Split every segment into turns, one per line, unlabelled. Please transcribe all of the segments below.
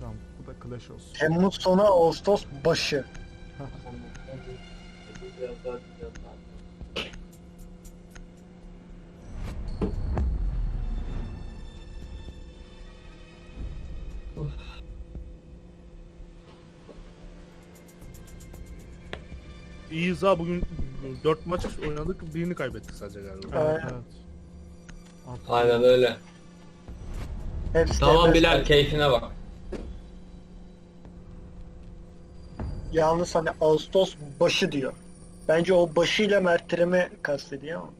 Tamam, bu da Clash olsun.
Temmuz sonu Ağustos başı.
İyiyiz ha, bugün 4 maç oynadık, birini kaybettik sadece galiba.
Evet,
Evet.
evet. Artık
Aynen öyle.
Hepsi
Tamam
de
Bilal, keyfine bak.
Yalnız hani Ağustos başı diyor. Bence o başıyla Mert'imi kastediyor ama.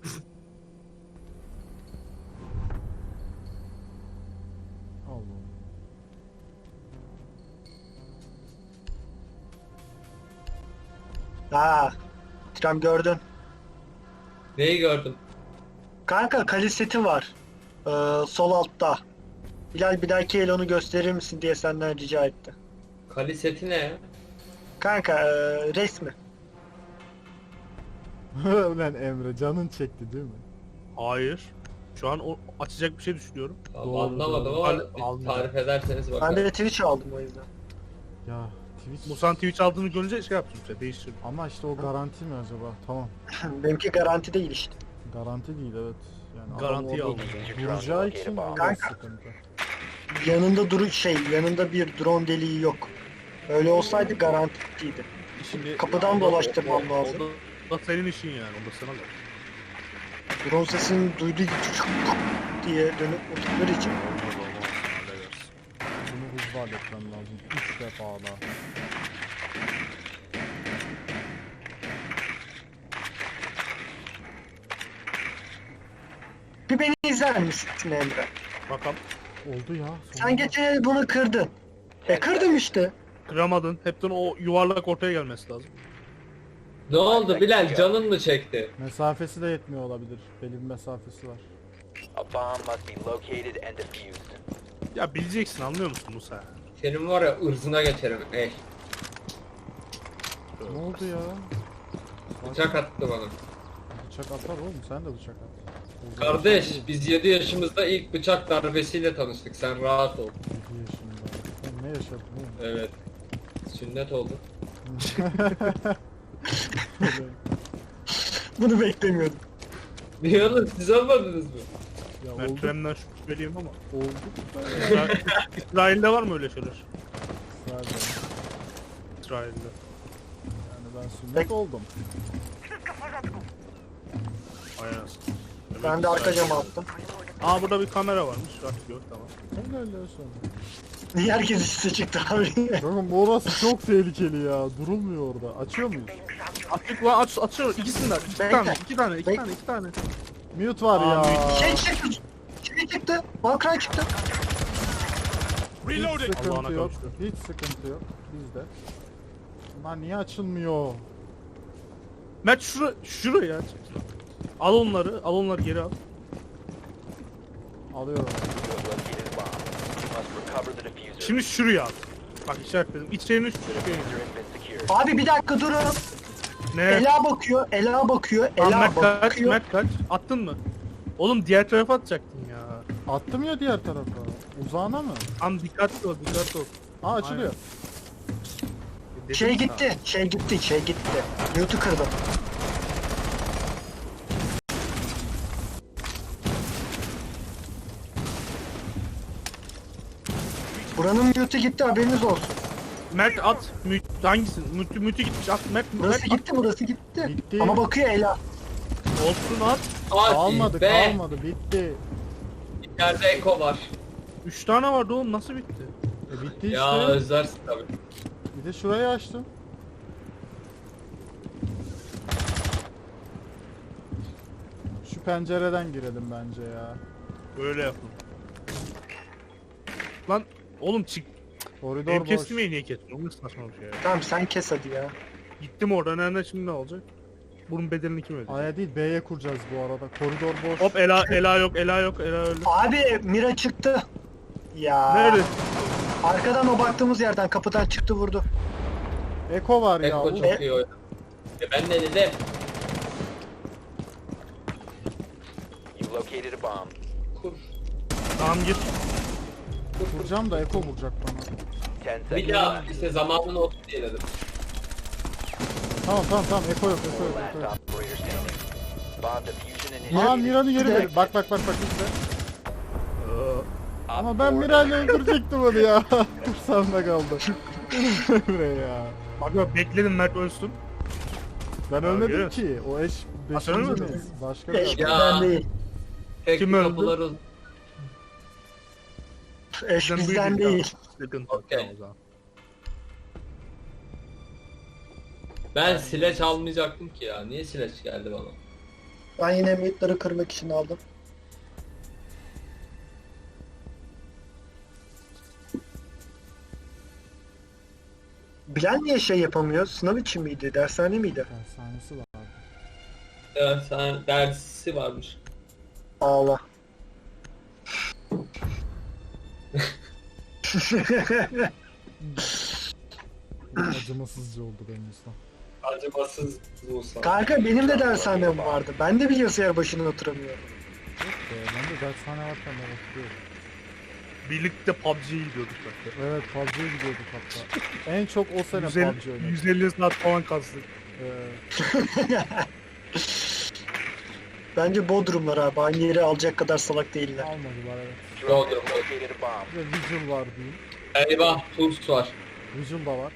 Allah.
Ha, Tram gördün.
Neyi gördün?
Kanka kaliseti var. Sol altta. Bilal bir dahaki el onu gösterir misin diye senden rica etti.
Kali seti ne ya?
Kanka resmi.
Ulan Emre, canın çekti değil mi?
Hayır. Şu an o açacak bir şey düşünüyorum.
Tamam,
Doğru,
anlamadım
doğru.
ama
Aldım.
bir tarif ederseniz
Ben
bakalım.
de Twitch aldım o yüzden.
Ya Twitch...
Musa'nın Twitch aldığını görünce şey yaptım işte, değiştirdim.
Ama işte o garanti mi acaba? Tamam.
Benimki garanti değil işte.
Garanti değil, evet. Yani adam
Garantiye
orada
aldım.
duracağı için biraz
Kanka.
sıkıntı.
Yanında bir drone deliği yok. Öyle olsaydı garantiydi.
Şimdi
Kapıdan dolaştırmam lazım.
O da senin işin yani, o da sana da.
Drone sesini duyduğu gibi diye dönüp vurdukları için.
Bunu hızlı halletmem lazım. 3 defa daha.
Bir beni izler misin Emre?
Bakalım.
Oldu ya.
Sen geçen el bunu kırdın. Kırdım işte.
Kıramadın. Hepten o yuvarlak ortaya gelmesi lazım.
Ne oldu Bilal, canın mı çekti?
Mesafesi de yetmiyor olabilir. Belli bir mesafesi var.
A bomb must be located and defused.
Ya bileceksin, anlıyor musun Musa?
Senin var ya, ırzına geçerim.
Ne oldu ya?
Bıçak attı bana.
Bıçak atar oğlum, sen de bıçak at. O zaman
Kardeş,
şey değil.
biz 7 yaşımızda ilk bıçak darbesiyle tanıştık. Sen rahat ol.
7 yaşında. Sen ne yaşadın oğlum?
Evet. Sünnet oldu.
Bunu beklemiyordum.
Niye oğlum, siz olmadınız mı?
Ya
Ben
oldu.
Trem'den şüpheliyim ama.
Oldu da ya.
İsrail'de var mı öyle şeyler?
Zaten.
İsrail'de.
Yani ben sünnet oldum.
Aynen.
Ben de arka cama attım.
Aa, burada bir kamera varmış. Bak gör, tamam.
Helal olsun.
Niye herkes üstüne çıktı abi?
Bakın bu orası çok tehlikeli ya. Durulmuyor orada. Açıyor muyuz?
Açık lan, açıyor. İkisinden. İki
Bekle.
tane, iki tane, iki
Bekle.
tane, iki tane.
Mute var
Aa,
ya.
mute.
Şey çıktı. Valkyrie çıktı.
Hiç sıkıntı
Allah'ına
yok.
kavuştu.
Hiç sıkıntı yok. Bizde. Lan niye açılmıyor?
Mert şuraya aç. Al onları geri al.
Alıyorum.
You have located a bomb. You must recover the diffuser.
Şimdi şuraya al. Bak işaretledim. İçlerini şuraya.
Diffuser has been secured.
Abi bir dakika durun.
Ne?
Ela bakıyor. Ela bakıyor.
Lan
Ela
Mert kaç,
bakıyor.
Mert kaç. Attın mı? Oğlum diğer tarafa atacaktın ya.
Attım ya diğer tarafa. Uzağına mı?
Tam dikkatli ol, dikkatli ol.
Aa açılıyor.
Dedim
Şey
sana.
gitti. Şey gitti. Mute'u kırdım. Buranın mute'u gitti, haberiniz olsun.
Mert at. Hangisi? Mütü gitmiş. At Mert.
Burası
Mert,
gitti, burası gitti.
Bitti.
Ama bakıyor Ela.
at. Olsun at.
Hadi
Kalmadı
be!
kalmadı. Bitti.
İçeride eko var.
3 tane vardı oğlum, nasıl bitti?
Bitti
Ya
işte.
özlersin tabii.
Bir de şurayı açtım. Şu pencereden girelim bence ya.
Böyle yapın. Lan oğlum çık.
Koridor
Benim
boş.
kestirmeyi niye kesiyorsun? Nasıl saçma bir şey ya.
Tamam sen kes hadi ya.
Gittim orada, nerede şimdi ne olacak? Bunun bedelini kim ödeyecek?
A'ya değil B'ye kuracağız bu arada. Koridor boş.
Hop Ela yok, Ela öldü.
Abi Mira çıktı. Ya.
Nerede?
Arkadan o baktığımız yerden kapıdan çıktı vurdu.
Eko var ya.
Eko çok iyi oynadı. Ben ne dedim?
You located a bomb.
Tamam gir.
Vuracağım da Eko vuracak bana.
10
Bir
seconds
daha
left.
işte zamanını otur diye dedim.
Tamam Eko yok Eko yok.
Last
Eko yok.
operator standing. Bomb diffusion initiated.
Aa Mira'nı yeri ver. Bak izle. Ama ben Mira'yla öldürecektim onu ya. Kursağımda kaldı. Emre ya.
Bak bekledim Mert ölsün.
Ben ölmedim
görüyor
ki. O eş
sen ölmedin
beşinci
mi?
Başka bir
Eş
adam.
bizden değil.
Tek
Kim
bir
öldü?
kapıları...
Eş bizden değil.
Sıkıntı yok.
Okey.
Tamam o zaman.
Ben sileç almayacaktım ki ya. Niye sileç geldi bana?
Ben yine mute'ları kırmak için aldım. Bilal niye şey yapamıyor? Sınav için miydi? Dershane miydi?
Dershanesi var.
Evet, sen dersi varmış.
Ağla.
Acımasızca oldu benim usta.
Acımasız Musa.
Kanka benim de dershanem vardı. Ben de bilgisayar başına oturamıyorum.
Yok be, ben de dershane varken ben oturuyorum.
Birlikte PUBG'ye gidiyorduk bak.
Evet PUBG'ye gidiyorduk hatta. En çok o sene
150,
PUBG oynadık.
150 saat falan kastık.
Bence Bodrumlar abi. Aynı yeri alacak kadar salak değiller.
Almadılar evet.
Yok,
Drone
yok.
has located a bomb.
Bir de Vigil var diyeyim.
Eyvah, Tools var.
Vigil da var.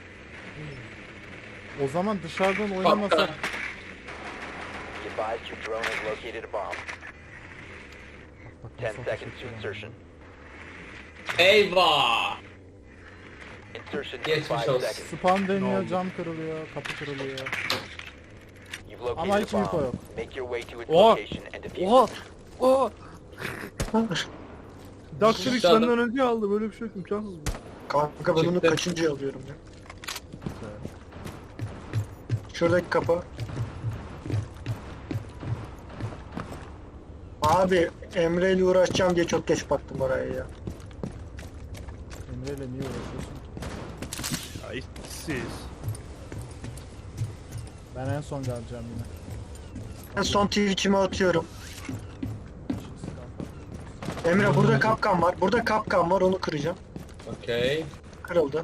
O zaman dışarıdan oynamasak...
Be advised your drone has located a bomb.
Bak,
10
nasıl
seconds
ateş
to
ediyorum.
insertion.
Eyvah!
Insertion in
Geçmiş
5
olsun.
seconds.
Spam
Ne
deniyor,
oldu?
cam kırılıyor, kapı kırılıyor.
You've located
Ama hiç
a
info
bomb.
yok.
Make your way to its
Oha!
location and defuse
Oha!
it.
Oha! Dr. X
Dışarıda-
benden önce aldı. Böyle bir şey yok. İmkansız bu.
Kanka ben onu
Çıktı.
kaçıncı alıyorum ya? Şuradaki kapı. Abi Emre ile uğraşacağım diye çok geç baktım oraya ya.
Emre'yle niye uğraşıyorsun?
Ya işsiz.
Ben en son geleceğim yine.
En son Twitch'ime atıyorum. Emre burada kapkan var. Burada kapkan var, onu kıracağım.
Okey.
Kırıldı.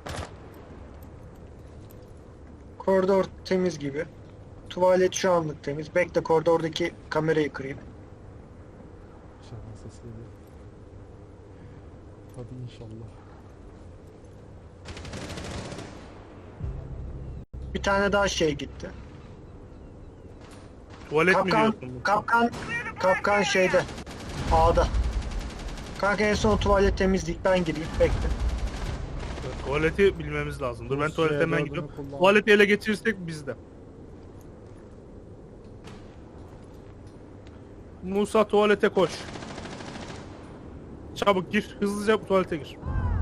Koridor temiz gibi. Tuvalet şu anlık temiz. Bekle koridordaki kamerayı kırayım.
İnşallah ses geliyor. Hadi inşallah.
Bir tane daha şey gitti.
Tuvalet mi
Kapkan,
diyorsun?
kapkan şeyde. A'da. Kanka en son tuvalet temizlik, ben gireyim. Bekle.
Tuvaleti bilmemiz lazım. Dur ben
Bu
tuvalete hemen
C4'ünü
gidiyorum.
kullan.
Tuvaleti ele geçirirsek bizde. Musa tuvalete koş. Çabuk gir. Hızlıca tuvalete gir.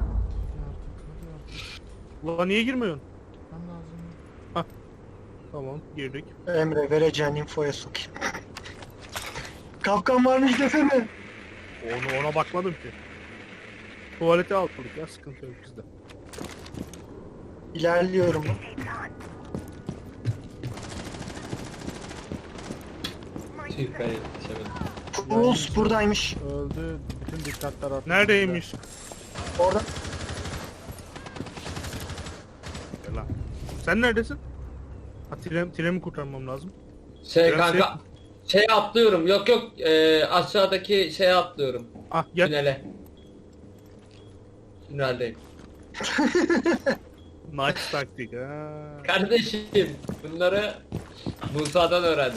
Ulan niye girmiyorsun?
Ben lazım.
Tamam girdik.
Emre vereceğin infoya sokayım. Kapkan varmış desene.
Ona bakmadım ki. Tuvalete aldık ya, sıkıntı yok bizde.
İlerliyorum.
Tüh ben yetişemedim.
Fools buradaymış.
Öldü. Bütün dikkatler attı.
Neredeymiş?
Orada.
Gel lan. Sen neredesin? Ha Tirem'i kurtarmam lazım.
Şey
Biraz
kanka, şey atlıyorum. Yok aşağıdaki şeye atlıyorum.
Ah gel.
Tünele. Tüneldeyim.
Nice taktik ha.
Kardeşim bunları Musa'dan öğrendim.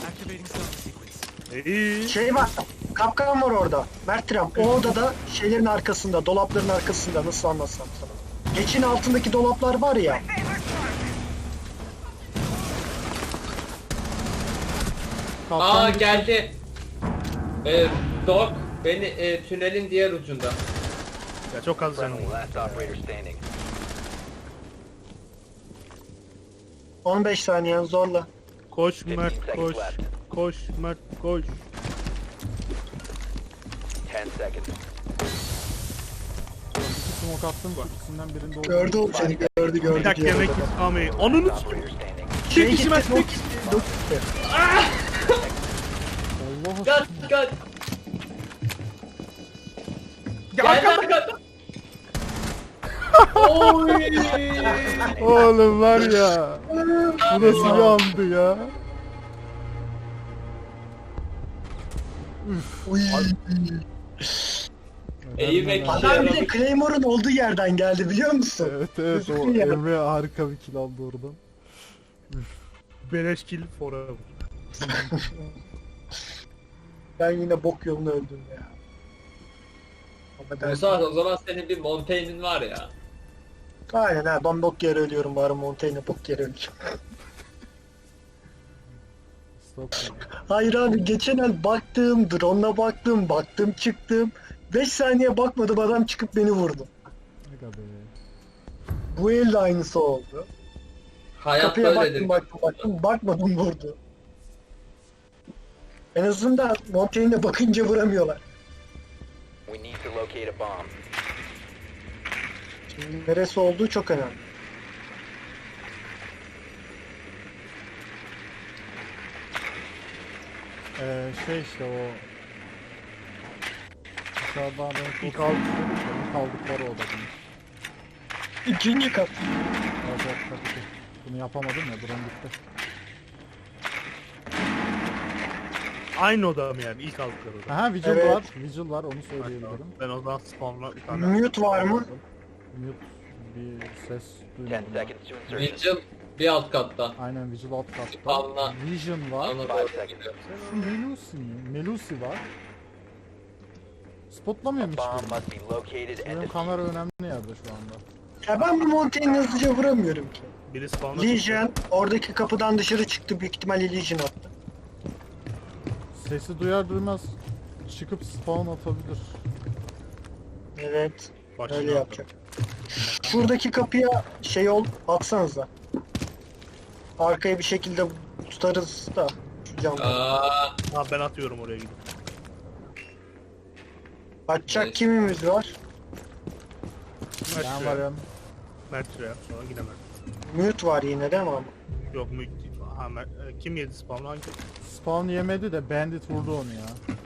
İyi.
Şey var. Kapkan var orada. Mertram. O odada şeylerin arkasında, dolapların arkasında, nasıl anlatsam sana. Geçin altındaki dolaplar var ya.
Kaptan
Aa
gitti.
geldi. Dog beni tünelin diğer ucunda.
Ya çok az canım
Friendly
var.
last operator standing.
15 saniyen zorla.
Koş
15
Mert
seconds
koş.
left.
Koş Mert koş.
10 seconds.
İki smoke attım. İkisinden birinde oldu.
Gördü o seni, gördü
Bir dakika yemek
odada.
istemeyi. Ananı
Last
s**eyim.
operator standing.
Şey
Tek
gitti,
işime
smoke
tek
gitti, smoke gitti.
Allah
Gel
aşkına.
gel.
Ya
Gel
arkada.
arkada. Oy!
Oğlum var ya. Bu nasıl bir andı ya?
Uy.
Eğilmek
Adam-
işe
Adam bir de
yaradı.
Claymore'un olduğu yerden geldi biliyor musun?
Evet evet o
Ya.
Emre harika bir kill aldı oradan.
Beleş kill forever.
Ben yine bok yolunu öldüm ya. Ama ben...
Musa o zaman senin bir Montaigne'in var ya.
Aynen ha, ben bok yere ölüyorum bari Montaigne'e bok yere öleceğim.
Stop.
Hayır abi geçen el baktım, drone'la baktım çıktım. 5 saniye bakmadım adam çıkıp beni vurdu.
Ne kadar be.
Bu el de aynısı oldu.
Hayat
Kapıya
böyledir.
baktım bakmadım vurdu. En azından Montaigne'e bakınca vuramıyorlar.
We need to locate a bomb.
Şimdi neresi olduğu çok önemli.
Şey işte o dışarıdan renk
İlk
olsun istedik de ilk aldıkları o da bunun.
İkinci kat.
Evet evet tabii ki. Bunu yapamadım ya drone gitti.
Aynı oda mı yani? İlk aldıkları oda.
Aha Vigil
Evet.
var. Vigil var onu söyleyebilirim.
Ben o zaman spawnla bir tane.
Mute var mı?
Mute bir ses
10
duymadım. ben.
seconds to insertion.
Vigil bir alt katta.
Aynen Vigil alt katta.
Spawnla.
Vision var.
Onu
5
doğru
seconds.
söylüyor.
Melusi mi? Melusi var. Spotlamıyormuş
Bomb
beni.
must be located and
Benim
defused.
kamera önemli yerde şu anda.
Ya ben bu Montaigne'i hızlıca vuramıyorum ki.
Biri spawnla
Legion oradaki kapıdan dışarı çıktı büyük ihtimalle Legion attı.
Sesi duyar duymaz çıkıp spawn atabilir.
Evet
Başına
öyle yapacak. Şuradaki kapıya şey ol atsanıza. Arkaya bir şekilde tutarız da şu camdan.
Aa,
Ha ben atıyorum oraya gidip.
Açacak
Evet.
kimimiz var?
Ben
Mert
varım.
Mert şuraya. Sonra yine Mert.
Mute var yine değil mi ama?
Yok mu? Ha, kim yedi spawn'u hangi?
Spawn yemedi de Bandit vurdu onu ya.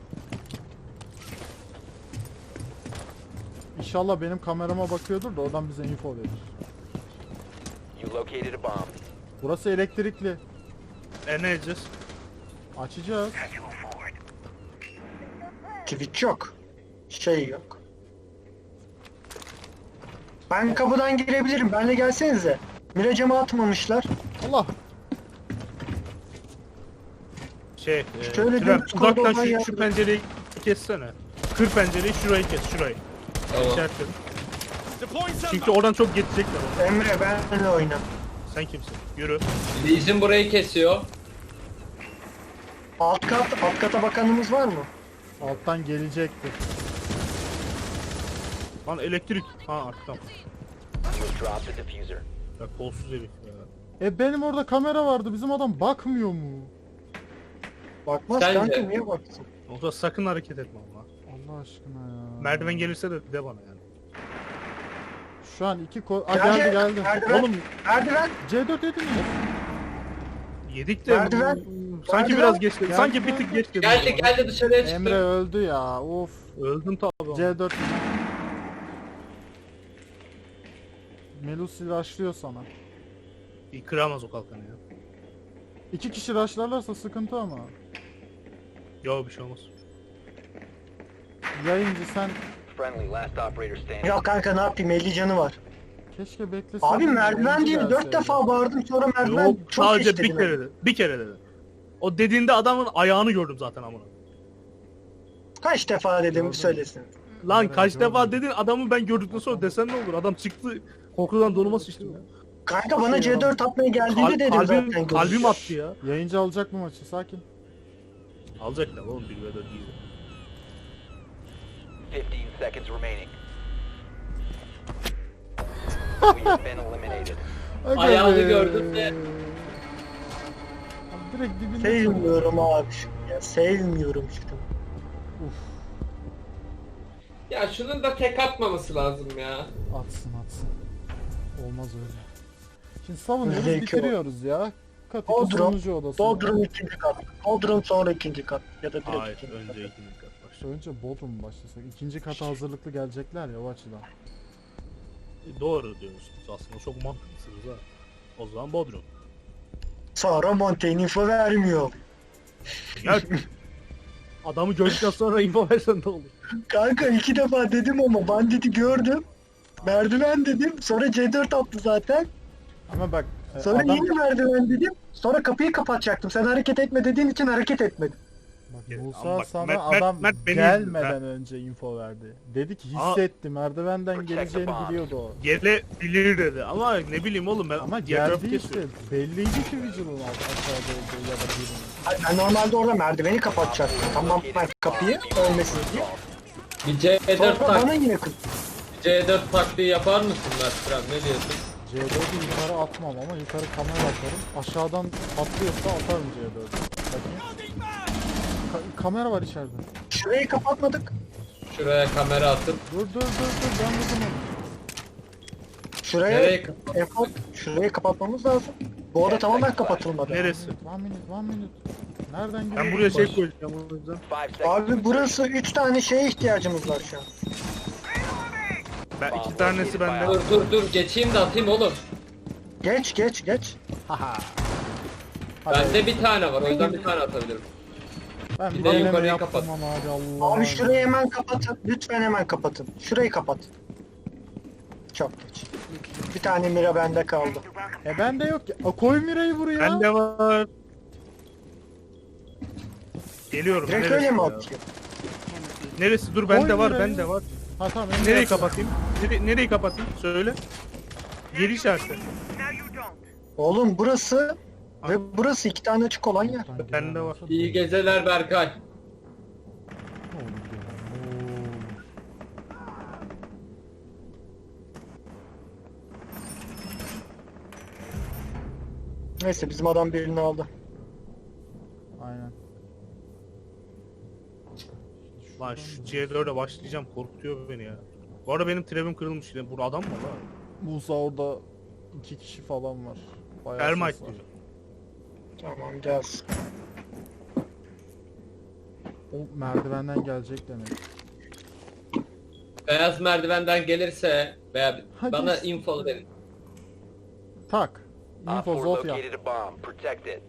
İnşallah benim kamerama bakıyordur da oradan bize info verir.
You located a bomb.
Burası elektrikli.
Ne edeceğiz?
Açacağız.
Twitch yok. Şey yok. Ben kapıdan girebilirim. Benle gelsenize. Miracama atmamışlar.
Allah.
Şey,
Şöyle
Tren,
dümdüz
uzaktan
koridordan
şu
yardım.
pencereyi kessene. Kır pencereyi şurayı kes şurayı.
tamam.
İşaretledim. Çünkü oradan çok geçecekler onu.
Emre benle oyna.
Sen kimsin? Yürü.
Legion burayı kesiyor.
Alt kata bakanımız var mı?
Alttan gelecektir.
Lan elektrik. Ha arkam.
You have dropped the diffuser.
Ya kolsuz herif ya.
Benim orada kamera vardı. Bizim adam bakmıyor mu?
Bakmaz
Sence?
kanka niye baksın?
Orada sakın hareket etme ama.
Allah aşkına ya.
Merdiven gelirse de bana yani.
Şu an iki geldi geldi.
Merdiven.
Oğlum
Merdiven.
C4 yedin mi?
Yedik de
Merdiven.
sanki
Merdiven.
biraz geçti.
Geldi,
Sanki bir tık geçti.
Geldi dışarıya çıktı.
Emre öldü ya. Of.
Öldüm tabi.
C4. Melusi rushlıyor sana.
Kıramaz o kalkanı ya.
2 kişi rushlarlarsa sıkıntı ama.
Yo bir şey olmaz.
Yayıncı sen
Friendly, last operator standing.
Ya kanka ne yapayım 50 canı var.
keşke bekleseydin.
Abi merdiven
yayıncı
değil 4
gelseydi.
defa bağırdım sonra merdiven
Yok
çok
sadece
geç
bir
dedim.
kere dedi. Bir kere dedi. O dediğinde adamın ayağını gördüm zaten amına.
Kaç defa dedim
Gördüm.
söylesin.
Lan
Evet,
kaç
gördüm.
defa dedin adamı ben gördükten sonra desen ne olur? Adam çıktı korkudan donuma sıçtı ya.
Kanka bana
Şey
C4 atmaya geldiğinde dedim zaten.
Kalbim
görüşürüz.
attı ya.
Yayıncı alacak mı maçı? Sakin.
Alacaklar oğlum 1v4 değil.
15 seconds remaining. We have been eliminated.
Aga
Ayağını
be.
gördüm de.
Abi direkt dibinde.
Sevmiyorum abi şunu ya. Sevmiyorum şunu.
Uf,
Ya şunun da tek atmaması lazım ya.
atsın. Olmaz öyle. Şimdi savunuyoruz
Öyle ki
bitiriyoruz ya. Kat iki
Bodrum,
sonucu odası.
Bodrum ikinci kat. Bodrum sonra ikinci kat. Ya da direkt
Hayır
ikinci
önce
kat.
ikinci kat başlıyor.
Önce Bodrum başlasak. İkinci kata hazırlıklı gelecekler ya o açıdan.
Doğru diyorsunuz aslında, çok mantıklısınız ha. O zaman Bodrum.
Sonra Montaigne info vermiyor.
Ya adamı gördükten sonra info versen ne olur?
Kanka 2 defa dedim ama banditi gördüm. Merdiven dedim. Sonra C4 attı zaten.
Ama bak
Sonra
adam...
yine merdiven dedim. Sonra kapıyı kapatacaktım. Sen hareket etme dediğin için hareket etmedim.
Bak,
Ama
Musa
bak,
sana
Mert-
adam
Mert beni
gelmeden
izliyor,
önce info verdi. Dedi ki
Aa.
hissetti, merdivenden geleceğini biliyordu o.
Gelebilir dedi ama ne bileyim oğlum ben
Ama
diğer tarafı
geldi işte.
kesiyorum.
Belliydi ki Vigil'ın aşağıda olduğu ya da birinin.
Hayır, ben normalde orada merdiveni kapatacaktım. Tamam ben kapıyı ölmesin diye.
Bir C4
Sonra bana
tak,
yine kız.
C4 taktiği yapar mısın Mert? Ne diyorsun?
C4'ü yukarı atmam ama yukarı kamera atarım. Aşağıdan patlıyorsa atarım C4'ü. Bakayım. Kamera var içeride.
Şurayı kapatmadık.
Şuraya kamera atıp
Dur ben vurdum onu.
Şuraya
nereye kapat?
Efor, şurayı kapatmamız lazım. Bu oda tamamen kapatılmadı.
Neresi?
One minute. Nereden giriyor?
Ben buraya şey koyacağım o yüzden.
5 seconds.
Abi burası 3 tane şeye ihtiyacımız var şu an.
Ben iki tanesi bende.
Dur geçeyim de atayım oğlum.
Geç.
Haha.
Bende bir tane var, o yüzden bir tane atabilirim.
Ben bir
Bir de
deneme
yukarıyı
yaptım
kapat.
ama abi Allah.
Abi şurayı hemen kapatın. Lütfen hemen kapatın. Şurayı kapat. Çok geç. Bir tane mira bende kaldı.
Bende yok ya. Koy Mira'yı buraya.
Bende var. Geliyorum.
Direkt
Neresi
öyle mi
ya?
atıyor?
Neresi? Dur bende
Koy
var,
Mira'yı.
bende var.
Ha tamam.
Nereyi kapatayım? Nereyi kapatayım? Söyle. Geri işareti.
Oğlum burası ve burası 2 tane açık olan yer.
Bende var.
İyi geceler Berkay.
Neyse bizim adam birini aldı.
Aynen.
Lan şu C4'e başlayacağım, korkutuyor beni ya. Bu arada benim trebim kırılmış yine. Burada adam mı var?
Musa orada 2 kişi falan var. Bayağı
Termite
ses var.
diyeceğim.
Tamam gelsin.
O merdivenden gelecek demek.
Beyaz merdivenden gelirse veya
Hadi.
bana info verin.
Tak.
Op
Info
4
Zofia.
located a bomb. Protect it.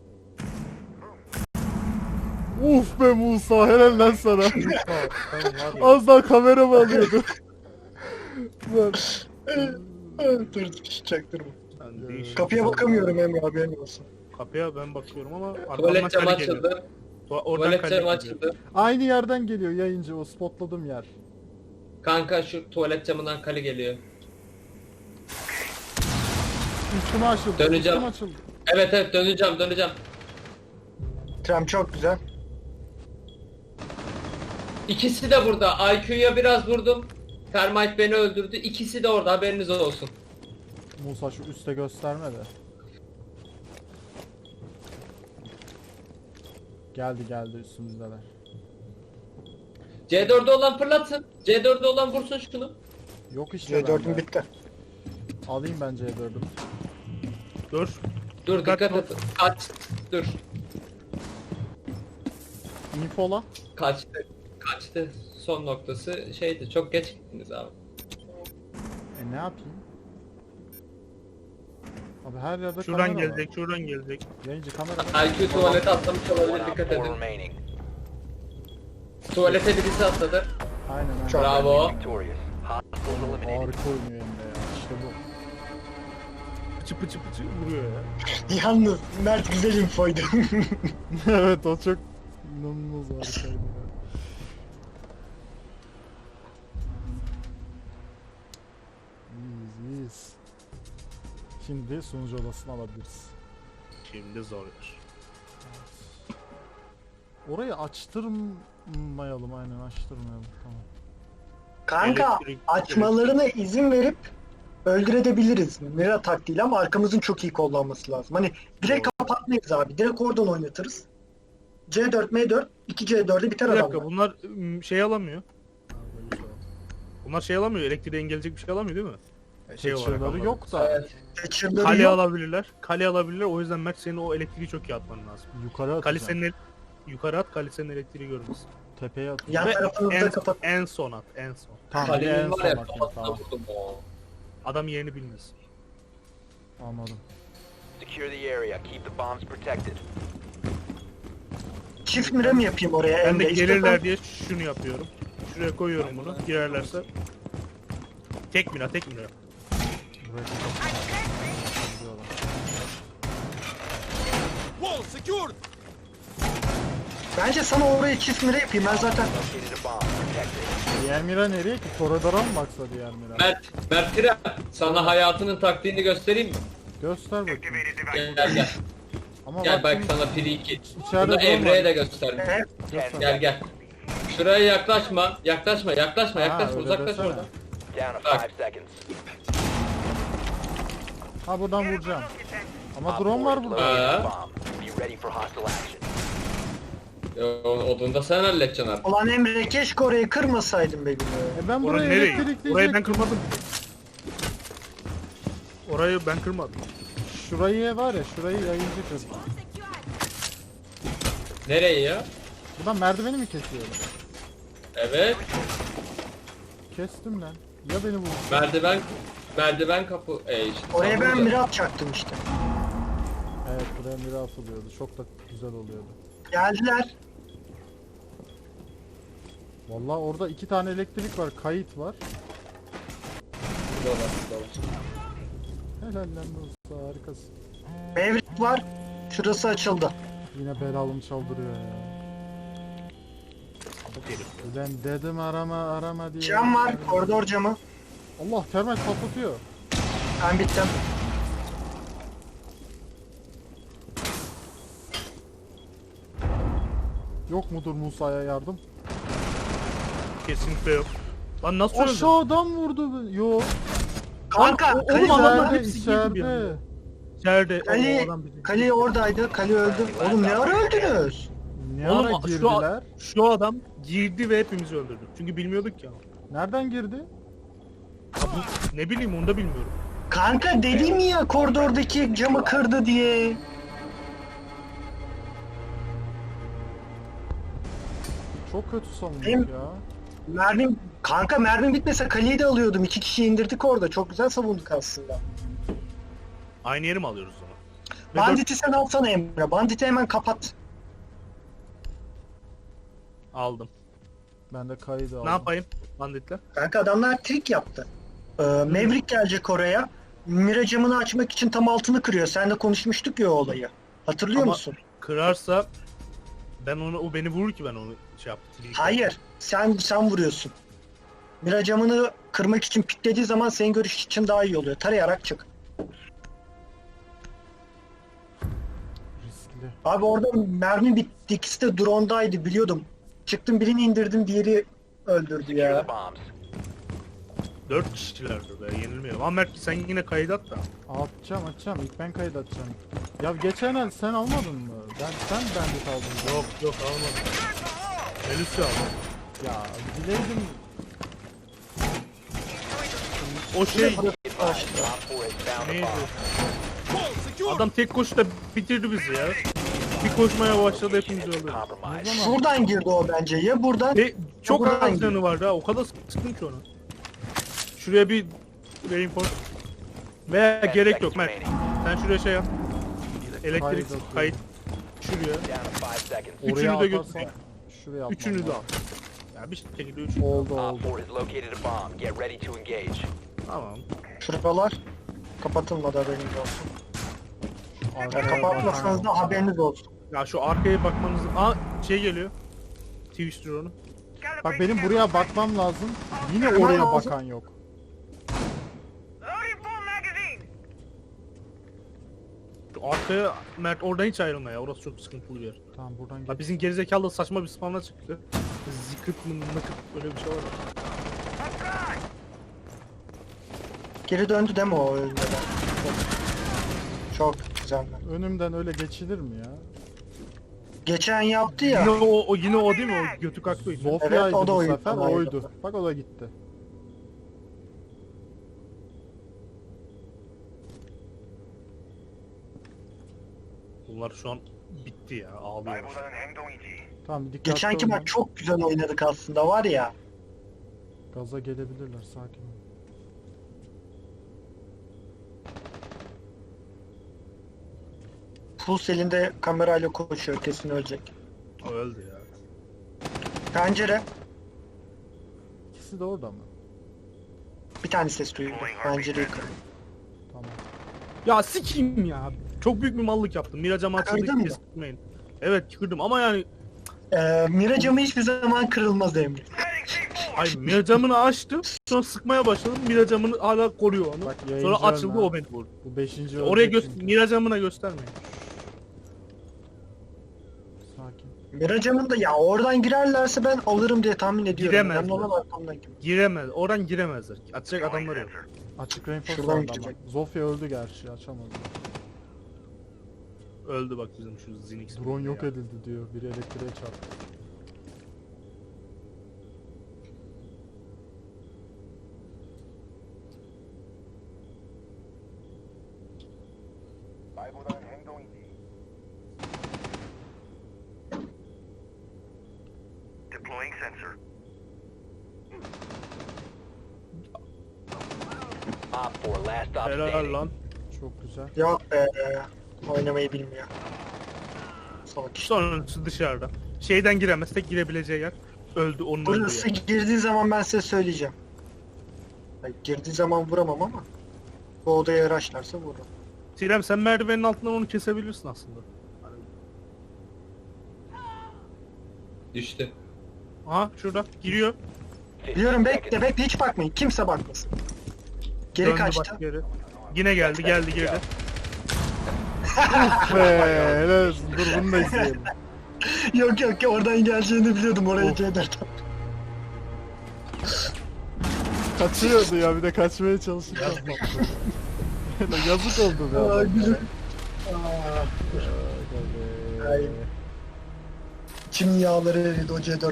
Uf be Musa, helal lan sana.
Ben var ya.
Az daha kameramı alıyordu. Lan.
Dur çaktırma.
Ben değişik.
Kapıya bakamıyorum Emre haberin olsun.
Kapıya ben bakıyorum ama arkamdan
Tuvalet camı
kale geliyor.
açıldı.
Oradan
Tuvalet
kale
camı
geliyor.
açıldı.
Aynı yerden geliyor yayıncı, o spotladığım yer.
Kanka şu tuvalet camından kale geliyor.
Üstüme açıldı.
Döneceğim.
Üstüme açıldı.
Evet döneceğim.
Trem çok güzel.
İkisi de burada. IQ'ya biraz vurdum. Termite beni öldürdü. İkisi de orada, haberiniz olsun.
Musa şu üste gösterme de. Geldi üstümüzdeler.
C4'de olan fırlatsın. C4'de olan vursun şunu.
Yok işte
C4'üm
bende.
bitti.
Alayım ben C4'ümü.
Dur.
Dur dikkat et. Dur.
Infola.
Kaçtı. Son noktası şeydi. Çok geç gittiniz abi.
Ne yapayım? Abi her yerde
Şuradan
kamera
gelecek, şuradan gelecek.
var. Yayıncı kamera var.
IQ tuvalete atlamış olabilir,
One op
dikkat
4
edin.
remaining.
Tuvalete birisi atladı.
Aynen.
Çok-
Bravo.
Victorious. Hostiles eliminated.
Harika oynuyor Emre ya. İşte bu.
Pıçı vuruyor ya.
Yalnız Mert güzel infoydu.
Evet, o çok inanılmaz harikaydı ya. İyiyiz. Şimdi sunucu odasını alabiliriz.
Şimdi zor yer.
Orayı açtırmayalım, aynen açtırmayalım. Tamam.
Kanka
Elektrik-
açmalarına izin verip öldürebiliriz. Mira taktiğiyle ama arkamızın çok iyi kullanması lazım. Hani direkt kapatmayız abi. Direkt oradan oynatırız. C4, M4, 2C4'e biter
Bir
adam.
dakika bunlar şey alamıyor. Bunlar şey alamıyor, elektriğe engelleyecek bir şey alamıyor değil mi? Şey olarak
Çığları
anladım.
yok da
Evet.
Kaçırları
Kale
yok.
alabilirler. Kale alabilirler. O yüzden Mert senin o elektriği çok iyi atman lazım.
yukarı atacağım.
Kalisenin yukarı at, kalisenin elektriği görmesin.
Tepeye atacağım.
Yan
Ve
tarafını da kapat.
en son at, en son.
Tamam, bir
Kalenin
en
var
son
ya,
atayım,
kafasına
tamam.
vurdum o.
Adam yerini bilmez.
Anladım.
Secure the area. Keep the bombs protected.
Çift mira mı yapayım oraya
Ben de
Emre?
gelirler diye şunu yapıyorum. Şuraya koyuyorum bunu. Girerlerse. Tek mira, tek mira.
Buraya gidiyorlar.
Bence sana oraya çift mira yapayım. Ben zaten
Located a bomb. Protect it.
Diğer mira nereye ki? Koridora mı baksa diğer mira?
Mert Tren, sana hayatının taktiğini göstereyim mi?
Göster bakayım.
Gel.
Ama
Gel bak
bakayım,
sana free kill.
İçeride
Bunu
drone
Emre'ye
var.
de göstereyim.
evet,
Gel. Şuraya yaklaşma. Yaklaşma.
Ha, öyle
Uzaklaş
desene.
oradan.
Down to
Bak.
5 seconds.
Ha buradan vuracağım. Ama
Op
drone
4
var
has
burada.
located a
Ha.
bomb. Be ready for hostile action.
Odunu da sen halledeceksin artık.
Ulan Emre keşke orayı kırmasaydın be gülüm.
Ben
Orayı
burayı
nereye?
elektrikleyecektim.
Orayı ben kırmadım. Orayı ben kırmadım.
Şurayı var ya, şurayı yayıncı kır.
Nereye ya?
Buradan merdiveni mi kesiyorum?
Evet.
Kestim lan. Ya beni vurdu.
Merdiven kapı. İşte,
Oraya
tam
ben
burada.
mira atacaktım işte.
Evet, buraya mira asılıyordu. Çok da güzel oluyordu.
Geldiler.
Vallahi orada 2 tane elektrik var, kayıt var.
Burada.
Helal lan dostum, harikasın.
Mevrik var. Şurası açıldı.
Yine belalım çaldırıyor ya. Ulan dedim arama diye.
Cam var. Koridor camı.
Allah, termal patlatıyor.
Ben bittim.
Yok mudur Musa'ya yardım?
Kesinlikle yok. Lan nasıl öldü?
Aşağıdan vurdu beni. Yok.
Kanka
Oğlum
Kali,
adamlar
İçeride,
hepsi girdi bir
içeride.
anda. İçeride.
Kali,
O adam bizi-
Kali oradaydı. Kali öldü. Oğlum ne ara öldünüz?
Ne
Oğlum,
ara
şu-
girdiler?
Şu adam girdi ve hepimizi öldürdü. Çünkü bilmiyorduk ya.
Nereden girdi?
Ya bu, ne bileyim onu da bilmiyorum.
Kanka dedim ya koridordaki camı kırdı diye.
Çok kötü savunduk
Benim-
ya.
Mermim bitmese Kali'yi de alıyordum. 2 kişi indirdik orada. Çok güzel savunduk aslında.
Aynı yeri mi alıyoruz o zaman? Ve dört-
Bandit'i sen alsana Emre. Bandit'i hemen kapat.
aldım.
Ben de kaydı aldım.
Ne yapayım banditler?
Kanka adamlar trik yaptı. Maverick gelecek oraya. Mira camını açmak için tam altını kırıyor. Sen de konuşmuştuk ya o olayı. Hatırlıyor
Ama-
musun?
Kırarsa ben onu, o beni vurur ki ben onu şey yaptım.
Hayır. Sen vuruyorsun. Mira camını kırmak için piklediği zaman senin görüş için daha iyi oluyor. Tarayarak çık.
Riskli.
Abi orada mermi bitti. İkisi de drone'daydı biliyordum. Çıktım birini indirdim diğeri öldürdü
Secure
ya.
the bombs.
4 kişilerdi be yenilmeyelim. Ama Mert sen yine kayıt at da.
Atacağım. İlk ben kayıt atacağım. Ya geçen el sen almadın mı? Sen bandit aldın.
Yok almadım. Elüsü aldım.
Ya bileydim.
O şey
Op 4 has found a
neydi?
bomb.
Adam tek koşuda bitirdi bizi ya. Bir koşmaya başladı hepimizi öldürdü.
Compromise.
Şuradan girdi o bence. Ya buradan.
Ve çok
Buradan
az
gidiyor.
canı vardı ha. O kadar sıktım ki onu. Şuraya bir reinforce. Veya
10
gerek yok
seconds
Mert.
remaining.
Sen şuraya şey yap. Elektrik
Kayıt
kayıt. Şuraya.
Down to 5 seconds.
Üçünü
Oraya
de
atarsan
götür.
şuraya atmam
Üçünü de al.
lazım.
Ya bir şekilde üçünü.
Oldu
Op
oldu.
4 has located a bomb. Get ready to engage.
Tamam.
Şuralar kapatılmadı haberiniz olsun. Ya
Arkaya
kapatmasanız da haberiniz olsun.
Ya şu arkaya bakmanız... Aa şey geliyor. Twitch drone'u.
Bak benim buraya bakmam lazım. Yine
Hemen
oraya
lazım.
bakan yok.
Şu arkaya Mert oradan hiç ayrılma ya. Orası çok sıkıntılı bir yer.
Tamam buradan
Ya
gel.
bizim gerizekalı da saçma bir spamla çıktı. Zıkıt mı nakıt öyle bir şey var ya.
Geri döndü değil mi o ölmeden? Çok güzel.
Önümden öyle geçilir mi ya?
Geçen yaptı ya.
Yine o değil mi? O götü kalktı.
Zofya'ydı
Evet, o da
bu
oydu,
sefer,
o da oydu.
oydu. Bak o da gitti.
Bunlar şu an bitti ya. Ağlıyorlar.
Tamam dikkatli
Geçenki
olun.
maç çok güzel oynadık aslında var ya.
Gaza gelebilirler, sakin ol.
Puls elinde kamerayla koşuyor, kesin ölecek.
O öldü ya.
Pencere.
İkisi de orada mı?
Bir tane ses duyuldu. Pencereyi kırdı.
Tamam.
Ya sikeyim ya. Çok büyük bir mallık yaptım. Miracam
Kırdın
açıldı,
mı?
kesmeyin. Evet kırdım ama yani
Mira camı hiçbir zaman kırılmaz Emre.
ay miracamını açtım. Sonra sıkmaya başladım. Miracamını hala koruyor onu.
Bak,
Sonra
yayıncı
açıldı
ölme.
o beni vurdu.
Bu 5.
Oraya
ölecek çünkü.
miracamına göstermeyin.
Sakin.
Mira camında ya oradan girerlerse ben alırım diye tahmin ediyorum.
Giremezler.
Önemli olan arkamdan girmek.
Giremez. Oradan giremezler. Açacak adamlar yok.
Açık reinforce
Şuradan
vardı ama.
girecek.
Zofia öldü gerçi, açamadı.
Öldü bak bizim şu Zinix.
Drone yok edildi diyor. Biri elektriğe çarptı.
Deploying sensor.
Op 4, last stop
Helal
standing.
lan.
Çok güzel.
Yok be. Oynamayı bilmiyor. Salak işte.
Sonrası dışarıda. Şeyden giremez. Tek girebileceği yer. Öldü onun öldüğü
Burası
yer.
girdiği zaman ben size söyleyeceğim. Yani girdiği zaman vuramam ama bu odaya araçlarsa vururum.
Sinem sen merdivenin altından onu kesebilirsin aslında.
Düştü.
Aha şurada giriyor.
15
Biliyorum,
seconds.
bekle hiç bakmayın. Kimse bakmasın. Geri
Döndü
kaçtı.
bak geri. Yine geldi girdi.
Helal olsun. Dur bunu da izleyelim.
Yok oradan geleceğini biliyordum oraya
Of.
C4'ten.
Kaçıyordu ya, bir de kaçmaya çalışırken patladı. Yazık oldu be.
Aa,
adama.
gülüm.
Aga
Ay.
be.
İçim yağları eridi o C4'le.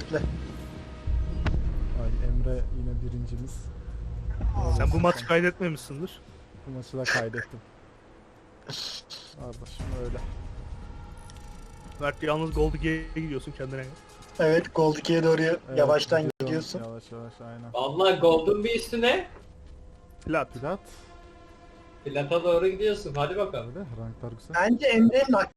Ay, Emre yine birincimiz.
Sen bu maçı kaydetmemişsindir.
Bu maçı da kaydettim. Kardeşim öyle.
Belki yalnız Gold 2'ye gidiyorsun kendine.
Evet, Gold 2'ye doğru
Evet,
yavaştan
gidiyorum.
gidiyorsun.
Yavaş yavaş aynen.
Vallahi Golden bir üstüne.
Plat.
Plat.
Plata doğru gidiyorsun. Hadi bakalım.
Öyle ranklar güzel.
Bence Emre'nin